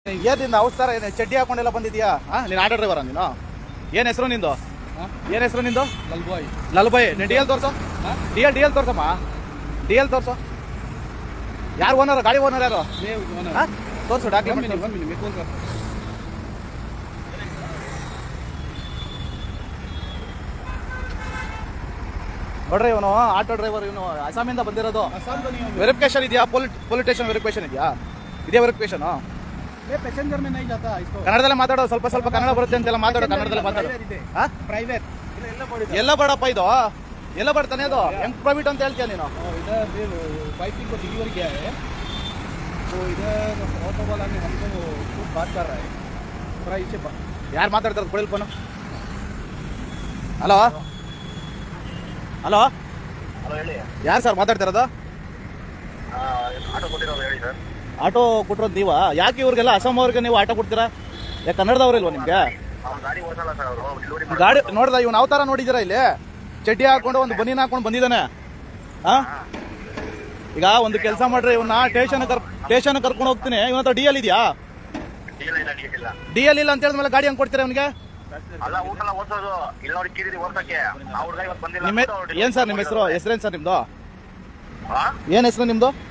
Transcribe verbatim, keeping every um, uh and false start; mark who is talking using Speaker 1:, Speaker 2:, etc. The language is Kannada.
Speaker 1: ಏನಿಂದ ಅವಸ್ತಾರ ಏನು ಚಡ್ಡಿ ಹಾಕೊಂಡೆಲ್ಲ ಬಂದಿದ್ಯಾ? ಹಾಂ, ನೀನು ಆಟೋ ಡ್ರೈವರ ನೀನು? ಏನು ಹೆಸರು ನಿಂದು? ಏನು ಹೆಸರು ನಿಂದು?
Speaker 2: ಲಲ್ಬಾಯ್.
Speaker 1: ಲಲ್ಬಾಯ್. ನೀನು ಡಿ ಎಲ್ ತೋರ್ಸು, ಡಿ ಎಲ್ ಡಿ ಎಲ್ ತೋರ್ಸಮ್ಮ, ಡಿ ಎಲ್ ತೋರ್ಸು. ಯಾರು ಓನರ್? ಗಾಡಿ ಓನರ್ ಯಾರು? ಹಾಂ, ತೋರಿಸು ಡಾಕ್ಯುಮೆಂಟ್. ನೋಡ್ರಿ, ಇವನು ಆಟೋ ಡ್ರೈವರ್, ಇವನು ಅಸ್ಸಾಮಿಂದ ಬಂದಿರೋದು. ವೆರಿಫಿಕೇಶನ್ ಇದೆಯಾ? ಪೊಲಿಟ್ ಪೊಲಿಟೇಷನ್ ವೆರಿಫಿಕೇಶನ್ ಇದೆಯಾ? ಇದೆಯಾ ವೆರಿಫಿಕೇಶನ್?
Speaker 2: पैसेंजर में नहीं जाता इसको.
Speaker 1: ಕನ್ನಡದಲ್ಲೇ ಮಾತಾಡೋ, ಸ್ವಲ್ಪ ಸ್ವಲ್ಪ ಕನ್ನಡ ಬರುತ್ತೆ ಅಂತೆಲ್ಲ ಮಾತಾಡೋ, ಕನ್ನಡದಲ್ಲೇ ಮಾತಾಡೋ. ಹಾಂ,
Speaker 2: ಪ್ರೈವೇಟ್
Speaker 1: ಎಲ್ಲ ಬೇಡಪ್ಪ ಇದು, ಎಲ್ಲ ಬರ್ತಾನೆ ಅದು. ಹೆಂಗ್ ಪ್ರೈವೇಟ್ ಅಂತ ಹೇಳ್ತೀಯ ನೀನು?
Speaker 2: इधर वाइफ को डिलीवर किया है तो इधर ऑटो वाला ने हमको कुछ बात कर रहा है थोड़ा इससे.
Speaker 1: ಯಾರು ಮಾತಾಡ್ತಾರೆ? ಕೊಡಿಲ್ ಫೋನು. ಹಲೋ ಹಲೋ, ಯಾರು ಸರ್ ಮಾತಾಡ್ತಿರೋದು? ಆಟೋ ಕೊಟ್ಟಿರೋದು ನೀವಾ? ಯಾಕೆ ಇವ್ರಿಗೆಲ್ಲ ಅಸ್ಸಾಂ ಅವ್ರಿಗೆ ನೀವು ಆಟೋ ಕೊಡ್ತೀರಾ? ಯಾಕೆ ಕನ್ನಡದವ್ರು ಇಲ್ವಾ ನಿಮ್ಗೆ? ಗಾಡಿ ನೋಡ್ದ, ಇವ್ನು ಅವತಾರ ನೋಡಿದ್ದೀರಾ? ಇಲ್ಲಿ ಚಡ್ಡಿ ಹಾಕೊಂಡು ಒಂದು ಬನೀನ್ ಹಾಕೊಂಡು ಬಂದಿದ್ದಾನೆ. ಹಾ, ಈಗ ಒಂದು ಕೆಲಸ ಮಾಡ್ರಿ, ಇವನ್ನ ಸ್ಟೇಷನ್ ಕರ್ ಸ್ಟೇಷನ್ ಕರ್ಕೊಂಡು ಹೋಗ್ತೀನಿ. ಇವನ ಹತ್ರ ಡಿ ಎಲ್ ಇದೆಯಾ? ಡಿ ಎಲ್ ಇಲ್ಲ ಅಂತ ಹೇಳಿದ್ಮೇಲೆ ಗಾಡಿ ಹೆಂಗ್ ಕೊಡ್ತೀರಾ ಇವನಿಗೆ? ನಿಮ್ಮ ಏನ್ ಸರ್ ನಿಮ್ಮ ಹೆಸರು? ಹೆಸರೇನ್ ಸರ್ ನಿಮ್ದು? ಏನ್ ಹೆಸರು ನಿಮ್ದು?